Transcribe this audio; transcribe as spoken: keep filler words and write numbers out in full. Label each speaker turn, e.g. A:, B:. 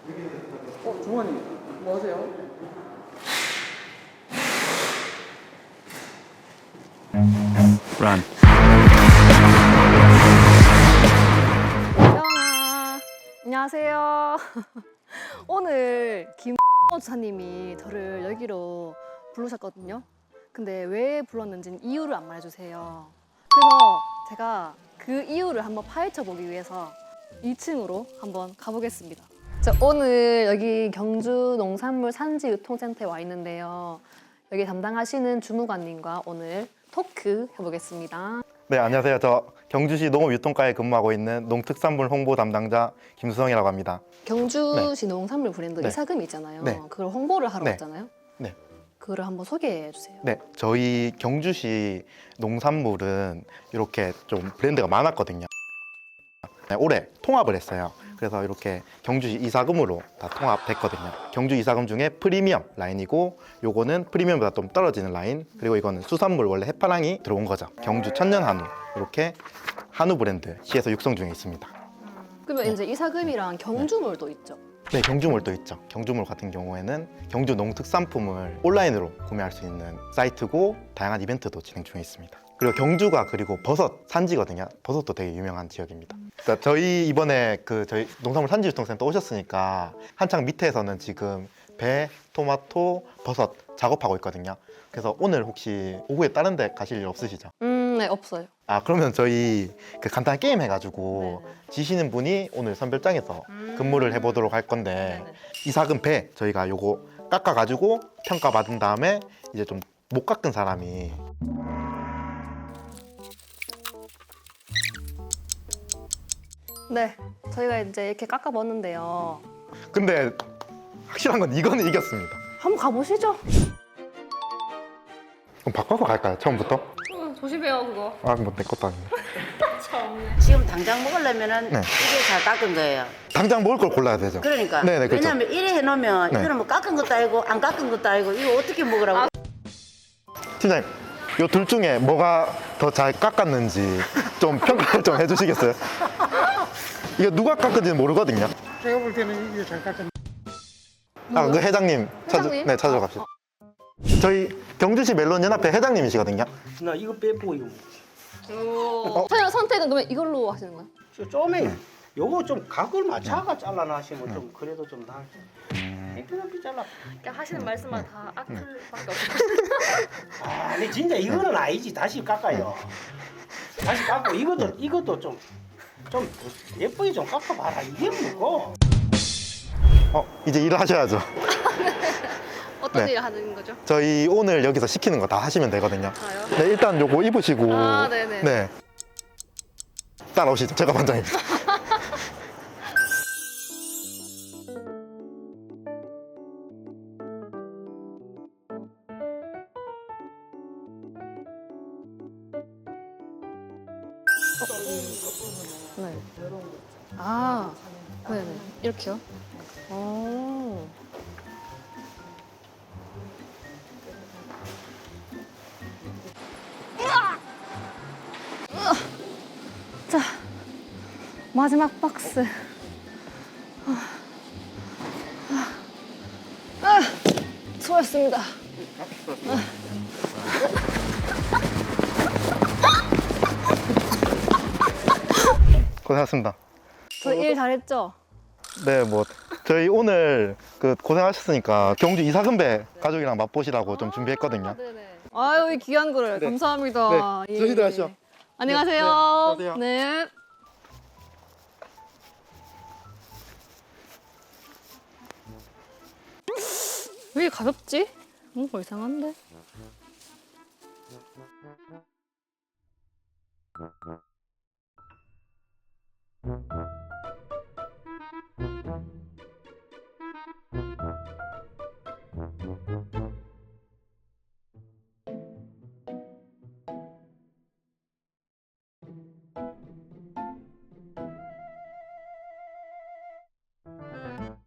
A: 어, 종환님, 뭐 하세요?
B: Run.
C: 태영아, 안녕하세요. 오늘 김 주사님이 저를 여기로 부르셨거든요. 근데 왜 불렀는지는 이유를 안 말해주세요. 그래서 제가 그 이유를 한번 파헤쳐 보기 위해서 이 층으로 한번 가보겠습니다. 저 오늘 여기 경주 농산물 산지 유통센터에 와 있는데요. 여기 담당하시는 주무관님과 오늘 토크 해보겠습니다.
D: 네, 안녕하세요. 저 경주시 농업유통과에 근무하고 있는 농특산물 홍보 담당자 김수성이라고 합니다.
C: 경주시 농산물 브랜드
D: 네.
C: 이사금이 있잖아요.
D: 네.
C: 그걸 홍보를 하러
D: 네.
C: 왔잖아요.
D: 네.
C: 그거를 한번 소개해 주세요.
D: 네, 저희 경주시 농산물은 이렇게 좀 브랜드가 많았거든요. 네, 올해 통합을 했어요. 그래서 이렇게 경주시 이사금으로 다 통합됐거든요. 경주 이사금 중에 프리미엄 라인이고 요거는 프리미엄보다 좀 떨어지는 라인, 그리고 이거는 수산물 원래 해파랑이 들어온 거죠. 경주 천년 한우, 이렇게 한우 브랜드 시에서 육성 중에 있습니다.
C: 그러면
D: 네.
C: 이제 이사금이랑 경주물도 있죠.
D: 네, 경주몰도 있죠. 경주몰 같은 경우에는 경주 농특산품을 온라인으로 구매할 수 있는 사이트고 다양한 이벤트도 진행 중에 있습니다. 그리고 경주가 그리고 버섯 산지거든요. 버섯도 되게 유명한 지역입니다. 그러니까 저희 이번에 그 저희 농산물 산지유통센터 오셨으니까 한창 밑에서는 지금 배, 토마토, 버섯 작업하고 있거든요. 그래서 오늘 혹시 오후에 다른 데 가실 일 없으시죠?
C: 음, 네, 없어요.
D: 아, 그러면 저희 그 간단한 게임 해가지고
C: 네네.
D: 지시는 분이 오늘 선별장에서
C: 음.
D: 근무를 해보도록 할 건데
C: 네네.
D: 이삭은 배 저희가 요거 깎아가지고 평가받은 다음에 이제 좀 못 깎은 사람이
C: 네, 저희가 이제 이렇게 깎아봤는데요.
D: 근데 확실한 건 이거는 이겼습니다.
C: 한번 가보시죠.
D: 그럼 바꿔서 갈까요? 처음부터?
C: 음, 조심해요, 그거.
D: 아, 뭐 내 것도 아닌데.
E: 지금 당장 먹으려면은
D: 네.
E: 이게 잘 깎은 거예요.
D: 당장 먹을 걸 골라야 되죠.
E: 그러니까.
D: 네네, 그렇죠.
E: 왜냐면 이래 해놓으면
D: 네.
E: 이거는 뭐 깎은 것도 아니고 안 깎은 것도 아니고 이거 어떻게 먹으라고.
D: 팀장님, 요 둘 중에 뭐가 더 잘 깎았는지 좀 평가를 좀 해주시겠어요? 이거 누가 깎은지는 모르거든요.
A: 제가 볼 때는 이게 잘 깎은.
D: 아, 그 회장님 찾,
C: 회장님?
D: 네, 찾으러 갑시다. 저희 경주시 멜론 연합회 회장님이시거든요.
F: 나 이거 빼고 이거
C: 오. 저희 선택은 그러면 이걸로 하시는 거예요?
F: 저 좀에 요거 좀 각을 맞춰가 잘라놔시면 좀 그래도 좀 나을 텐데 땡땡하게 잘라.
C: 그냥 하시는 말씀만 다 악플밖에 없어요.
F: 아, 근데 진짜 이거는 아니지. 다시 깎아요. 다시 깎고 이것도 이것도 좀 좀 예쁘게 좀 깎아봐라. 이게 뭐고?
D: 어, 이제 일을 하셔야죠.
C: 어떤
D: 네.
C: 일을 하는 거죠?
D: 저희 오늘 여기서 시키는 거 다 하시면 되거든요.
C: 아요?
D: 네, 일단 요거 입으시고.
C: 아, 네네.
D: 네. 따라오시죠. 제가 반장입니다.
C: 네. 아, 네네. 이렇게요? 오. 으아! 자, 마지막 박스. 아, 아, 아, 수고하셨습니다.
D: 고생하셨습니다.
C: 저 일 잘했죠?
D: 네, 뭐 저희 오늘 그 고생하셨으니까 경주 이사금배 가족이랑 맛보시라고 좀 준비했거든요.
C: 네네. 아유, 이 귀한 거를
D: 네.
C: 감사합니다.
D: 네, 저희들 하시죠.
C: 안녕하세요.
D: 네, 네,
C: 네. 왜 가볍지? 뭔가 이상한데?